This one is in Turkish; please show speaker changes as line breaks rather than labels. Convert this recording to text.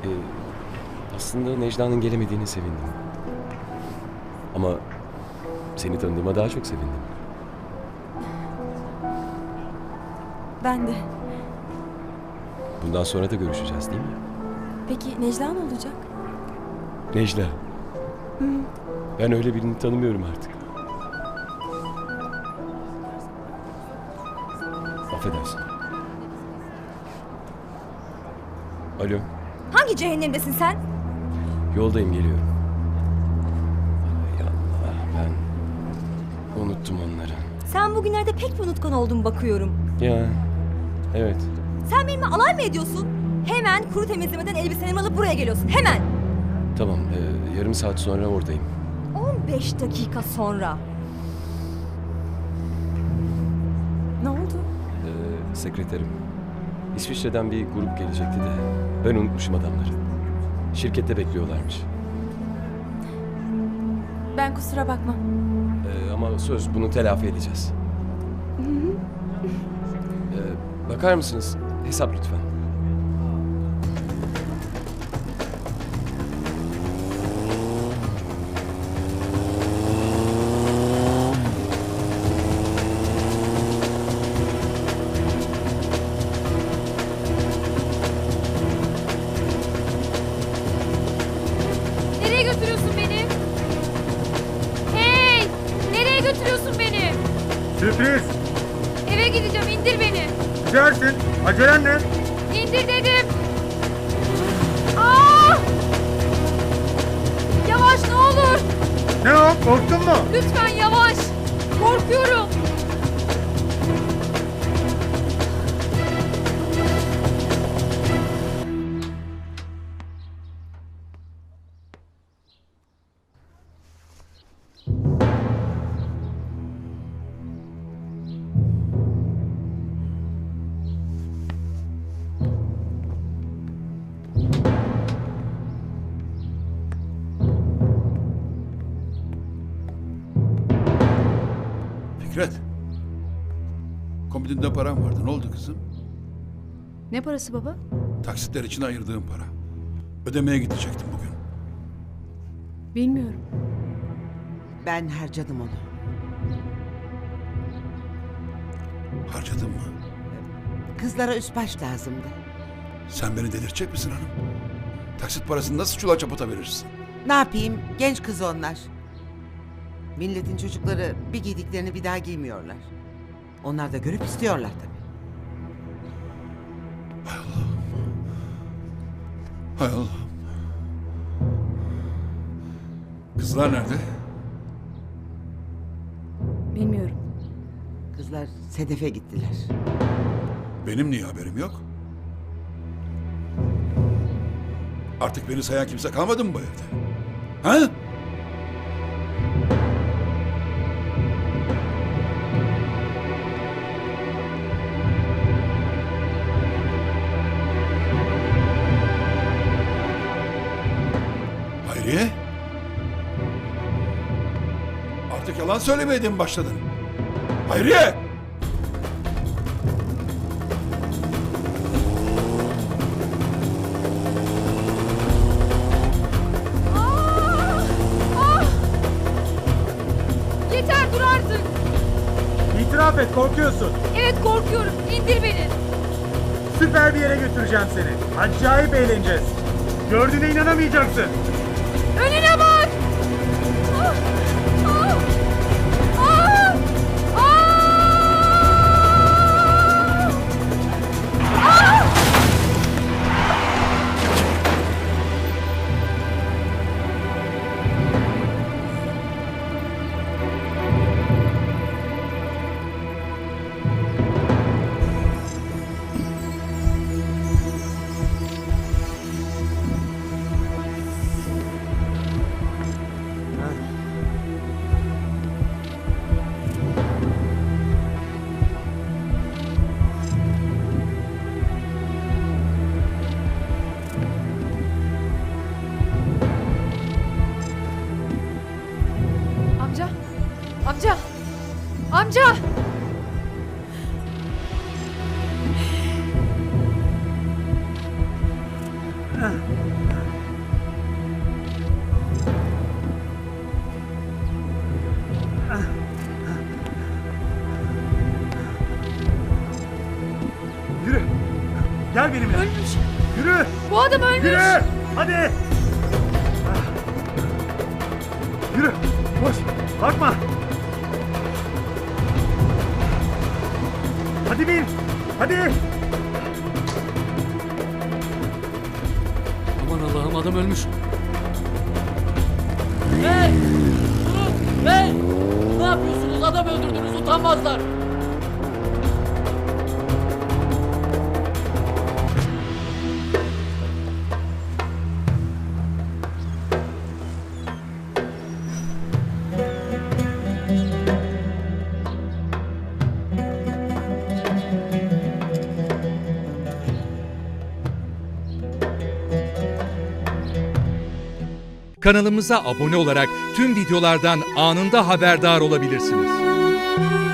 Ee, aslında Necla'nın gelemediğine sevindim. Ama seni tanıdığıma daha çok sevindim.
Ben de.
Bundan sonra da görüşeceğiz değil mi?
Peki Necla ne olacak?
Necla. Ben öyle birini tanımıyorum artık. Affedersin. Alo.
Hangi cehennemdesin sen?
Yoldayım, geliyorum. Ay Allah, ben unuttum onları.
Sen bugünlerde pek bir unutkan oldun bakıyorum.
Ya, evet.
Sen benimle alay mı ediyorsun? Hemen kuru temizlemeden elbiselerimi alıp buraya geliyorsun. Hemen.
Tamam, yarım saat sonra oradayım.
15 dakika sonra. Ne oldu?
Sekreterim. İsviçre'den bir grup gelecekti de ben unutmuşum adamları. Şirkette bekliyorlarmış.
Ben kusura bakma.
Ama söz, bunu telafi edeceğiz. Bakar mısınız? Hesap lütfen.
Nereye götürüyorsun beni? Hey! Nereye götürüyorsun beni?
Sürpriz.
Eve gideceğim, indir beni.
Gidersin. Acelen ne?
İndir dedim. Aa! Yavaş ne olur.
Ne o? Korktun mu?
Lütfen yavaş. Korkuyorum.
Fikret. Kombininde param vardı. Ne oldu kızım?
Ne parası baba?
Taksitler için ayırdığım para. Ödemeye gidecektim bugün.
Bilmiyorum.
Ben harcadım onu.
Harcadın mı?
Kızlara üst baş lazımdı.
Sen beni delirtecek misin hanım? Taksit parasını nasıl çula çapata verirsin?
Ne yapayım? Genç kız onlar. Milletin çocukları bir giydiklerini bir daha giymiyorlar. Onlar da görüp istiyorlar tabii.
Hay Allah. Kızlar nerede?
Bilmiyorum.
Kızlar Sedef'e gittiler.
Benim niye haberim yok? Artık beni sayan kimse kalmadı mı bu evde? Ha? Hayriye? Artık yalan söylemeye de mi başladın? Hayriye!
Yeter dur artık.
İtiraf et, korkuyorsun.
Evet korkuyorum. İndir beni.
Süper bir yere götüreceğim seni. Acayip eğleneceğiz. Gördüğüne inanamayacaksın.
Önüne bak. Ah! Ah! Ah! Ah! Ah!
Yürü. Gel benimle.
Ölmüş.
Yürü.
Bu adam ölmüş.
Yürü. Hadi. Yürü. Koş. Bakma. Hadi bin. Hadi.
Aman Allah'ım adam ölmüş. Hey! Durun! Hey! Ne yapıyorsunuz? Adam öldürdünüz utanmazlar.
Kanalımıza abone olarak tüm videolardan anında haberdar olabilirsiniz.